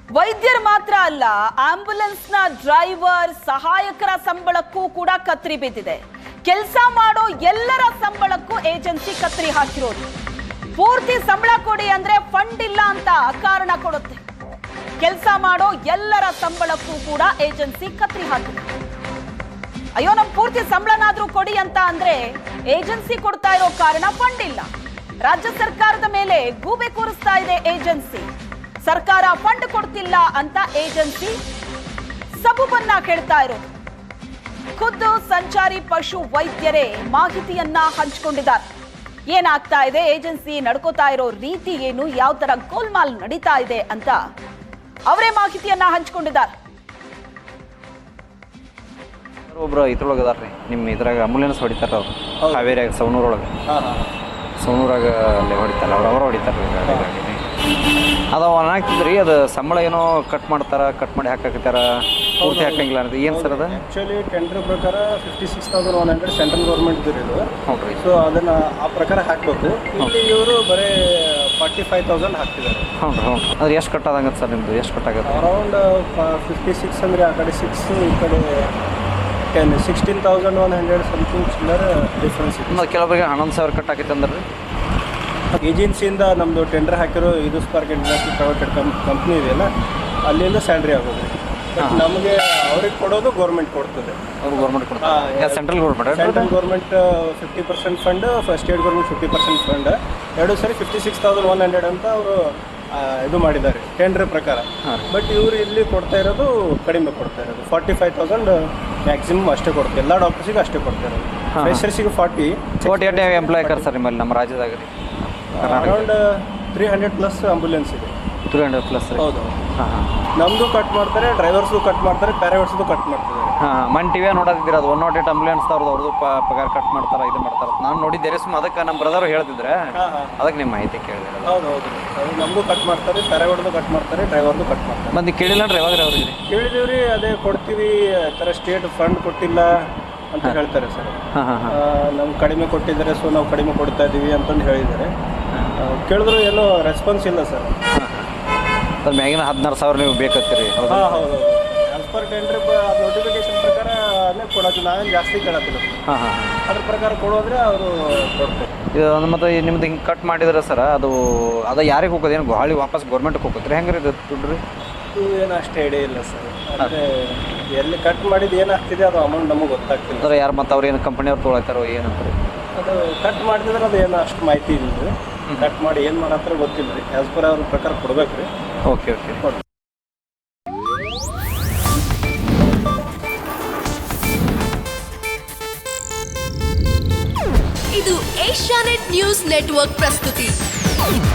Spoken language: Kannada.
ವೈದ್ಯರು ಮಾತ್ರ ಅಲ್ಲ, ಆಂಬ್ಯುಲೆನ್ಸ್ನ ಡ್ರೈವರ್, ಸಹಾಯಕರ ಸಂಬಳಕ್ಕೂ ಕೂಡ ಕತ್ರಿ ಬಿದ್ದಿದೆ. ಕೆಲಸ ಮಾಡೋ ಎಲ್ಲರ ಸಂಬಳಕ್ಕೂ ಏಜೆನ್ಸಿ ಕತ್ರಿ ಹಾಕಿರೋದು. ಪೂರ್ತಿ ಸಂಬಳ ಕೊಡಿ ಅಂದ್ರೆ ಫಂಡ್ ಇಲ್ಲ ಅಂತ ಕಾರಣ ಕೊಡುತ್ತೆ. ಕೆಲಸ ಮಾಡೋ ಎಲ್ಲರ ಸಂಬಳಕ್ಕೂ ಕೂಡ ಏಜೆನ್ಸಿ ಕತ್ರಿ ಹಾಕಿದೆ. ಅಯ್ಯೋ, ನಮ್ ಪೂರ್ತಿ ಸಂಬಳನಾದ್ರೂ ಕೊಡಿ ಅಂತ ಅಂದ್ರೆ ಏಜೆನ್ಸಿ ಕೊಡ್ತಾ ಇರೋ ಕಾರಣ ಫಂಡ್ ಇಲ್ಲ. ರಾಜ್ಯ ಸರ್ಕಾರದ ಮೇಲೆ ಗೂಬೆ ಕೂರಿಸ್ತಾ ಇದೆ ಏಜೆನ್ಸಿ. ಸರ್ಕಾರ ಫಂಡ್ ಕೊಡ್ತಿಲ್ಲ ಅಂತ ಏಜೆನ್ಸಿ ಸಬೂಬನ್ನ ಕೇಳ್ತಾ ಇರೋದು. ಖುದ್ದು ಸಂಚಾರಿ ಪಶು ವೈದ್ಯರೇ ಮಾಹಿತಿಯನ್ನ ಹಂಚಿಕೊಂಡಿದ್ದಾರೆ. ಏನಾಗ್ತಾ ಇದೆ, ಏಜೆನ್ಸಿ ನಡ್ಕೋತಾ ಇರೋ ರೀತಿ ಏನು, ಯಾವ ತರ ಗೋಲ್ಮಾಲ್ ನಡೀತಾ ಇದೆ ಅಂತ ಅವರೇ ಮಾಹಿತಿಯನ್ನ ಹಂಚಿಕೊಂಡಿದ್ದಾರೆ. ಒಬ್ರು ಇದ್ರೊಳಗೆ ಅದಾರ್ರಿ, ನಿಮ್ಮ ಇದ್ರಾಗ ಆಂಬುಲೆನ್ಸ್ ಹೊಡಿತಾರ ಅವ್ರು, ಹಾವೇರಿಯಾಗ ಸವಣೂರೊಳಗೆ. ಸವಣೂರಾಗ ಅಲ್ಲಿ ಹೊಡಿತಾರ ಅವ್ರು ಹೊಡಿತಾರೆ. ಅದು ಅವನು ಹಾಕ್ತಿದ್ರಿ, ಅದು ಸಂಬಳ ಏನೋ ಕಟ್ ಮಾಡಿ ಹಾಕಾಕತ್ತಾರ, ಪೂರ್ತಿ ಹಾಕಂಗಿಲ್ಲ ಅಂತ. ಏನು ಸರ್ ಅದು? ಆ್ಯಕ್ಚುಲಿ ಟೆಂಡರ್ ಪ್ರಕಾರ 56,100 ಸೆಂಟ್ರಲ್ ಗೌರ್ಮೆಂಟ್ ಇರೋದು. ಹೌದ್ರಿ. ಸೊ ಅದನ್ನು ಆ ಪ್ರಕಾರ ಹಾಕಬೇಕು. ಇಲ್ಲಿ ಇವರು ಬರೀ 45,000 ಹಾಕ್ತಿದ್ದಾರೆ. ಹ್ಞೂ. ಅದು ಎಷ್ಟು ಕಟ್ಟಾದಂಗತ್ತೆ ಸರ್ ನಿಮ್ಮದು? ಎಷ್ಟು ಕಟ್ಟಾಗತ್ತೆ? ಅರೌಂಡ್ 56 ಅಂದರೆ ಆ ಕಡೆ 6, ಈ ಕಡೆ 10, 16,100 ಸಮಥಿಂಗ್ ಚಿಲ್ಲರ್ ಡಿಫ್ರೆನ್ಸ್ ಇದೆ. ಕೆಲವರಿಗೆ 11,000 ಕಟ್ಟಾಕೈತೆ ಅಂದ್ರೆ ಏಜೆನ್ಸಿಯಿಂದ ನಮ್ಮದು ಟೆಂಡರ್ ಹಾಕಿರೋ ಇದು ಸ್ಪಾರ್ಕ್ ಇಂಟರ್ನ್ಯಾಷನಲ್ ಪ್ರೈವೇಟೆಡ್ ಕಂಪ್ನಿ ಇದೆಯಲ್ಲ, ಅಲ್ಲಿಂದ ಸ್ಯಾಲ್ರಿ ಆಗೋದು. ಬಟ್ ನಮಗೆ ಅವ್ರಿಗೆ ಕೊಡೋದು ಗೌರ್ಮೆಂಟ್ ಕೊಡ್ತದೆ. ಅವರು ಗೌರ್ಮೆಂಟ್ ಕೊಡ್ತಾರೆ. Central government 50% fund, state government 50% fund. ಎರಡು ಸರಿ 56,100 ಅಂತ ಅವರು ಇದು ಮಾಡಿದ್ದಾರೆ ಟೆಂಡರ್ ಪ್ರಕಾರ. ಬಟ್ ಇವರು ಇಲ್ಲಿ ಕೊಡ್ತಾ ಇರೋದು ಕಡಿಮೆ ಕೊಡ್ತಾ ಇರೋದು. 45,000 ಮ್ಯಾಕ್ಸಿಮಮ್ ಅಷ್ಟೇ ಕೊಡ್ತಾರೆ. ಎಲ್ಲ ಡಾಕ್ಟರ್ಸಿಗೆ ಅಷ್ಟೇ ಕೊಡ್ತಾ ಇರೋದು. ಫ್ರೆಶರ್ಸಿಗೆ 40. ಎಂಪ್ಲಾಯ್ ಸರ್ ನಿಮ್ಮಲ್ಲಿ ನಮ್ಮ ರಾಜ್ಯದಾಗ ರೀ? ಅರೌಂಡ್ 300+ ಆಂಬುಲೆನ್ಸ್ ಇದೆ. 300+ ಹೌದು. ನಮ್ಮದು ಕಟ್ ಮಾಡ್ತಾರೆ, ಡ್ರೈವರ್ಸ್ದು ಕಟ್ ಮಾಡ್ತಾರೆ, ಪ್ಯಾರಾಮೆಡಿಕ್ಸ್ದು ಕಟ್ ಮಾಡ್ತಾರೆ. ಮನ್ ಟಿವಿಯ ನೋಡೋದಿದ್ದೀರ, ಅದು 108 ಆಂಬುಲೆನ್ಸ್ ಅವ್ರದ್ದು ಪಗಾರ ಕಟ್ ಮಾಡ್ತಾರೆ, ಇದು ಮಾಡ್ತಾರೆ. ನಾನು ನೋಡಿದ್ದೇನೆ. ಸುಮ್ಮ ಅದಕ್ಕೆ ನಮ್ಮ ಬ್ರದರ್ ಹೇಳ್ತಿದ್ರೆ ಅದಕ್ಕೆ ನಿಮ್ಮ ಮಾಹಿತಿ ಕೇಳಿದ್ರೆ. ಹೌದು. ನಮ್ಮದು ಕಟ್ ಮಾಡ್ತಾರೆ, ಪ್ಯಾರಾಮೆಡಿಕ್ದು ಕಟ್ ಮಾಡ್ತಾರೆ, ಡ್ರೈವರ್ದು ಕಟ್ ಮಾಡ್ತಾರೆ. ಮಂದಿ ಕೇಳಿಲ್ಲ ರೀ ಯಾವಾಗ ಅವ್ರಿಗೆ? ಕೇಳಿದೀವ್ರಿ, ಅದೇ ಕೊಡ್ತೀವಿ, ಆ ಥರ ಸ್ಟೇಟ್ ಫಂಡ್ ಕೊಟ್ಟಿಲ್ಲ ಅಂತ ಹೇಳ್ತಾರೆ ಸರ್. ನಮ್ಗೆ ಕಡಿಮೆ ಕೊಟ್ಟಿದ್ದಾರೆ, ಸೊ ನಾವು ಕಡಿಮೆ ಕೊಡ್ತಾ ಇದ್ದೀವಿ ಅಂತಂದು ಹೇಳಿದ್ದಾರೆ. ಕೇಳಿದ್ರು ಏನೋ ರೆಸ್ಪಾನ್ಸ್ ಇಲ್ಲ ಸರ್. ಅದ್ರ ಮ್ಯಾಗಿನ 16,000 ನೀವು ಬೇಕತ್ತೀರಿ? ಹೌದು. ಆಸ್ ಪರ್ ಟೆಂಡರ್ ನೋಟಿಫಿಕೇಶನ್ ಪ್ರಕಾರ ಕೊಡೋದು, ನಾವೇನು ಜಾಸ್ತಿ ಕೇಳತ್ತಿಲ್ಲ. ಅದ್ರ ಪ್ರಕಾರ ಕೊಡೋದ್ರೆ ಅವರು ಕೊಡ್ತಾರೆ. ಇದು ಮತ್ತು ನಿಮ್ದು ಹಿಂಗೆ ಕಟ್ ಮಾಡಿದ್ರೆ ಸರ್, ಅದು ಯಾರಿಗೆ ಹೋಗೋದು? ಏನು ಗಾಳಿ ವಾಪಸ್ ಗೌರ್ಮೆಂಟ್ಗೆ ಹೋಗುತ್ತೆ ರೀ? ಹೆಂಗೆ ರೀ ದುಡ್ಡು ರೀ? ಏನು ಅಷ್ಟು ಐಡಿಯಾ ಇಲ್ಲ ಸರ್. ಅಂದರೆ ಎಲ್ಲಿ ಕಟ್ ಮಾಡಿದ್ದು ಏನಾಗ್ತಿದೆ ಅದು ಅಮೌಂಟ್ ನಮಗೆ ಗೊತ್ತಾಗ್ತಿಲ್ಲ. ಅಂದ್ರೆ ಯಾರು ಮತ್ತು ಅವ್ರು ಏನು ಕಂಪನಿಯವ್ರು ತೊಗೊಳ್ತಾರೋ ಏನಂತಾರೆ? ಅದು ಕಟ್ ಮಾಡಿದ್ರೆ ಅದು ಏನು ಅಷ್ಟು ಮಾಹಿತಿ ಇಲ್ಲ ರೀ. ಕಟ್ ಮಾಡಿ ಏನು ಮಾಡತ್ತಾರ ಗೊತ್ತಿಲ್ಲ ರೀ. ಆ್ಯಸ್ ಪರ್ ಅವ್ರ ಪ್ರಕಾರ ಕೊಡ್ಬೇಕು ರೀ. ಓಕೆ. ಇದು ಏಷ್ಯಾನೆಟ್ ನ್ಯೂಸ್ ನೆಟ್ವರ್ಕ್ ಪ್ರಸ್ತುತಿ.